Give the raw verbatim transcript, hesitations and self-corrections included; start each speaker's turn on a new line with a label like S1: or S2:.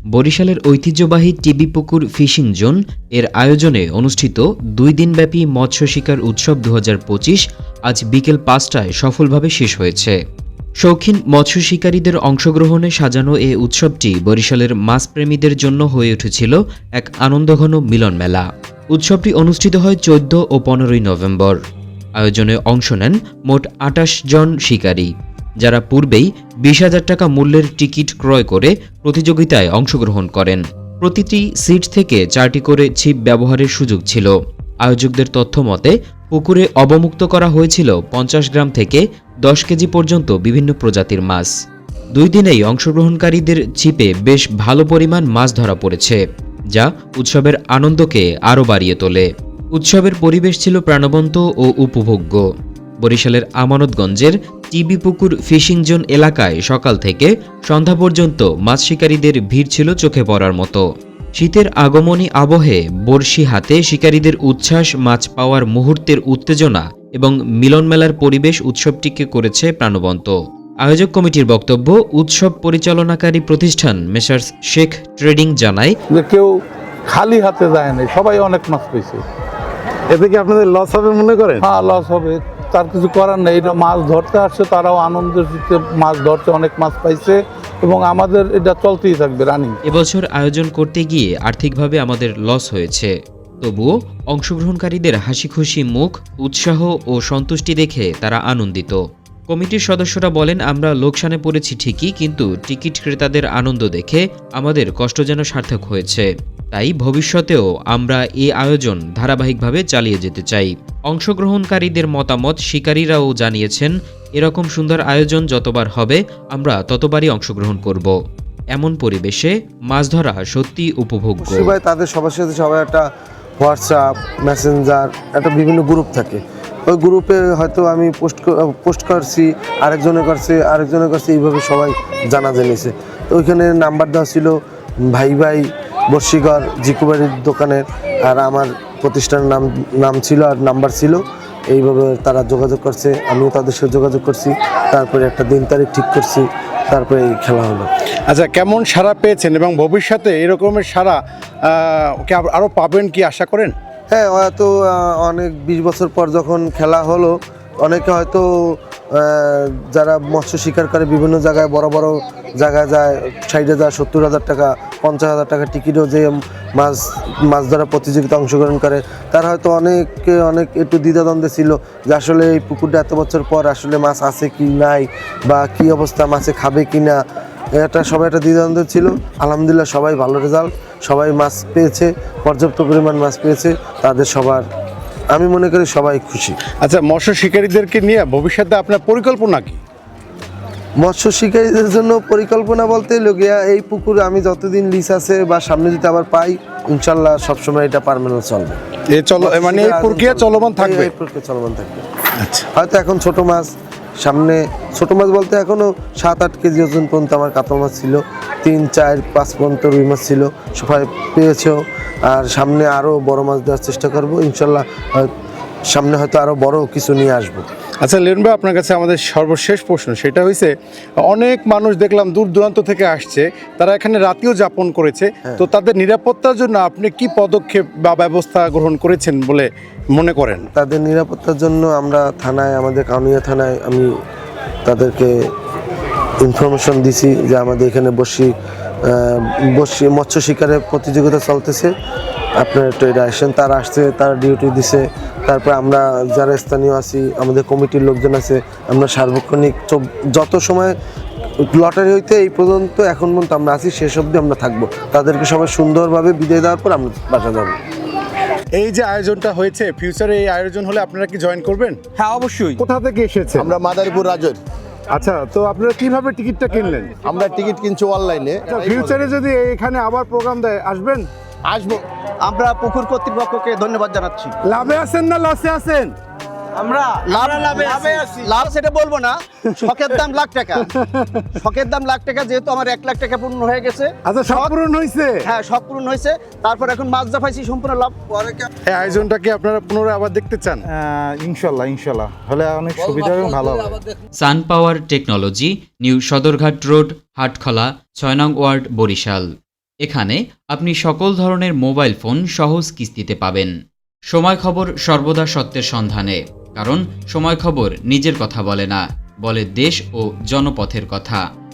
S1: বরিশালের ঐতিহ্যবাহী টিবি পুকুর ফিশিং জোন এর আয়োজনে অনুষ্ঠিত দুই দিনব্যাপী মৎস্য শিকার উৎসব দু হাজার পঁচিশ আজ বিকেল পাঁচটায় সফলভাবে শেষ হয়েছে। শৌখিন মৎস্য শিকারীদের অংশগ্রহণে সাজানো এ উৎসবটি বরিশালের মাছপ্রেমীদের জন্য হয়ে উঠেছিল এক আনন্দঘন মিলন মেলা। উৎসবটি অনুষ্ঠিত হয় চোদ্দ ও পনেরোই নভেম্বর। আয়োজনে অংশ নেন মোট আটাশ জন শিকারী, যারা পূর্বেই বিশ হাজার টাকা মূল্যের টিকিট ক্রয় করে প্রতিযোগিতায় অংশগ্রহণ করেন। প্রতিটি সিট থেকে চারটি করে ছিপ ব্যবহারের সুযোগ ছিল। আয়োজকদের তথ্য মতে পুকুরে অবমুক্ত করা হয়েছিল পঞ্চাশ গ্রাম থেকে দশ কেজি পর্যন্ত বিভিন্ন প্রজাতির মাছ। দুই দিনেই অংশগ্রহণকারীদের ছিপে বেশ ভালো পরিমাণ মাছ ধরা পড়েছে, যা উৎসবের আনন্দকে আরও বাড়িয়ে তোলে। উৎসবের পরিবেশ ছিল প্রাণবন্ত ও উপভোগ্য। বরিশালের আমানতগঞ্জের টিবি পুকুর ফিশিং জোন এলাকায় সকাল থেকে সন্ধ্যা পর্যন্ত মাছ শিকারীদের ভিড় ছিল চোখে পড়ার মতো। শীতের আগমনী আবহে বড়শি হাতে শিকারীদের উচ্ছ্বাস, মাছ পাওয়ার মুহূর্তের উত্তেজনা এবং মিলনমেলার পরিবেশ উৎসবটিকে করেছে প্রাণবন্ত। আয়োজক কমিটির বক্তব্য, উৎসব পরিচালনাকারী প্রতিষ্ঠান মেসার্স শেখ ট্রেডিং জানায়
S2: যে কেউ খালি হাতে যায় না, সবাই অনেক মাছ পেয়েছে।
S3: এতে কি আপনাদের লস হবে মনে করেন?
S2: হ্যাঁ, লস হবে, তার কিছু করার নেই। এটা মাছ ধরতে আসছে, তারাও আনন্দের সাথে মাছ ধরতে অনেক মাছ পাইছে এবং আমাদের এটা চলতেই থাকবে রানিং।
S1: এবছর আয়োজন করতে গিয়ে আর্থিকভাবে আমাদের লস হয়েছে, তবুও অংশগ্রহণকারীদের হাসি খুশি মুখ, উৎসাহ ও সন্তুষ্টি দেখে তারা আনন্দিত। কমিটির সদস্যরা বলেন, আমরা লোকসানে পড়েছি ঠিকই, কিন্তু টিকিট ক্রেতাদের আনন্দ দেখে আমাদের কষ্ট যেন সার্থক হয়েছে। তাই ভবিষ্যতেও আমরা এই আয়োজন ধারাবাহিকভাবে চালিয়ে যেতে চাই। অংশগ্রহণকারীদের মতামত শিকারীরাও জানিয়েছেন, এরকম সুন্দর আয়োজন যতবার হবে আমরা ততবারই অংশগ্রহণ করব। এমন পরিবেশে মাছ ধরা সত্যি উপভোগ্য।
S3: সবাই তাদের সবার সাথে সবাই একটা হোয়াটসঅ্যাপ, মেসেঞ্জার, একটা বিভিন্ন গ্রুপ থাকে। ওই গ্রুপে হয়তো আমি পোস্ট পোস্ট করছি, আরেকজনের করছে, আরেকজনের করছে, এইভাবে সবাই জানা জেনেছে। তো ওইখানে নাম্বার দেওয়া ছিল ভাই ভাই বর্ষিকর জিকুবাড়ির দোকানের, আর আমার প্রতিষ্ঠানের নাম নাম ছিল আর নাম্বার ছিল। এইভাবে তারা যোগাযোগ করছে, আমিও তাদের সাথে যোগাযোগ করছি, তারপরে একটা দিন তারিখ ঠিক করছি, তারপরে এই খেলা হলো।
S4: আচ্ছা, কেমন সাড়া পেয়েছেন এবং ভবিষ্যতে এরকমের সাড়া কে আরও পাবেন কি আশা করেন?
S3: হ্যাঁ, হয়তো অনেক বিশ বছর পর যখন খেলা হলো, অনেকে হয়তো যারা মৎস্য শিকার করে বিভিন্ন জায়গায় বড় বড় জায়গায় যায়, ষাট হাজার সত্তর হাজার টাকা পঞ্চাশ হাজার টাকা টিকিটও যে মাছ মাছ ধরা প্রতিযোগিতা অংশগ্রহণ করে, তারা হয়তো অনেকে অনেক একটু দ্বিধাদ্বন্দ্বে ছিল যে আসলে এই পুকুরটা এত বছর পর আসলে মাছ আছে কি নাই, বা কি অবস্থা, মাছে খাবে কি না, এটা সবাই একটা দ্বিধাদ্বন্দ্ব ছিল। আলহামদুলিল্লাহ সবাই ভালো রেজাল্ট, সবাই মাছ পেয়েছে, পর্যাপ্ত পরিমাণ মাছ পেয়েছে, তাদের সবার আমি মনে করি সবাই খুশি।
S4: আচ্ছা, মৎস্য শিকারীদেরকে নিয়ে ভবিষ্যতে আপনার পরিকল্পনা কি?
S3: মৎস্য শিকারীদের জন্য পরিকল্পনা বলতে লগিয়া এই পুকুরে আমি যতদিন লিজ আছে বা সামনে যদি আবার পাই, ইনশাল্লাহ সবসময় এটা পার্মানেন্ট চলবে।
S4: এই চলো মানে এই প্রক্রিয়া চলমান থাকবে?
S3: এই প্রক্রিয়া চলমান থাকবে।
S4: আচ্ছা,
S3: হয়তো এখন ছোট মাছ, সামনে ছোট মাছ বলতে এখনো সাত আট কেজি ওজন পর্যন্ত আমার কাতল মাছ ছিল, তিন চার পাঁচ পর্যন্ত রুই মাছ ছিল, সবাই পেয়েছেও। আর সামনে আরও বড় মাছ দেওয়ার চেষ্টা করবো ইনশাল্লাহ, সামনে হয়তো আরও বড় কিছু নিয়ে আসবো।
S4: আচ্ছা লিয়ন ভাই, আপনার কাছে আমাদের সর্বশেষ প্রশ্ন, সেটা হয়েছে অনেক মানুষ দেখলাম দূর দূরান্ত থেকে আসছে, তারা এখানে রাতেও যাপন করেছে, তো তাদের নিরাপত্তার জন্য আপনি কি পদক্ষেপ বা ব্যবস্থা গ্রহণ করেছেন বলে মনে করেন?
S3: তাদের নিরাপত্তার জন্য আমরা থানায়, আমাদের কাউনিয়া থানায় আমি তাদেরকে ইনফরমেশন দিছি যে আমাদের এখানে বসি বসি মৎস্য শিকারের প্রতিযোগিতা চলতেছে, আপনার একটু এটা আসেন। তারা আসছে, তারা ডিউটি দিছে। তারপরে আমরা যারা স্থানীয় আছি, আমাদের কমিটির লোকজন আছে, আমরা সার্বক্ষণিক যত সময় লটারি হইতে এই পর্যন্ত এখন পর্যন্ত আমরা আছি, শেষ অবধি আমরা থাকবো। তাদেরকে সবাই সুন্দরভাবে বিদায় দেওয়ার পর আমরা বাসা যাবো।
S4: এই যে আয়োজনটা হয়েছে, ফিউচারে এই আয়োজন হলে আপনারা কি জয়েন করবেন?
S5: হ্যাঁ, অবশ্যই।
S4: কোথা থেকে এসেছে?
S5: আমরা মাদারীপুর রাজৈর।
S4: আচ্ছা, তো আপনারা কিভাবে টিকিটটা কিনলেন?
S5: আমরা টিকিট কিনছি অনলাইনে।
S4: ফিউচারে যদি এখানে আবার প্রোগ্রাম দেয় আসবেন?
S5: আসবো। আমরা পুকুর কর্তৃপক্ষকে ধন্যবাদ জানাচ্ছি।
S4: লাভে আছেন না লসে আছেন?
S5: আমরা লাভে আছি। লাভ সেটা বলবো না, শখের দাম লাখ টাকা। শখের দাম লাখ টাকা, যেহেতু আমার এক লাখ টাকা পূর্ণ হয়ে গেছে।
S4: আচ্ছা, শখ পূরণ হয়েছে?
S5: হ্যাঁ, শখ পূরণ হয়েছে। তারপর এখন মাছ জাফাইছি, সম্পূর্ণ লাভ।
S4: এই আয়োজনটা কি আপনারা পুনরায় আবার দেখতে চান?
S6: ইনশাল্লাহ ইনশাল্লাহ হলে অনেক সুবিধা এবং ভালো হবে।
S1: Sun power technology, new Sadarghat road, Hatkhola, ছয় নং ওয়ার্ড, বরিশাল। এখানে আপনি সকল ধরনের মোবাইল ফোন সহজ কিস্তিতে পাবেন। সময় খবর সর্বদা সত্যের সন্ধানে, কারণ সময় খবর নিজের কথা বলে না, বলে দেশ ও জনপথের কথা।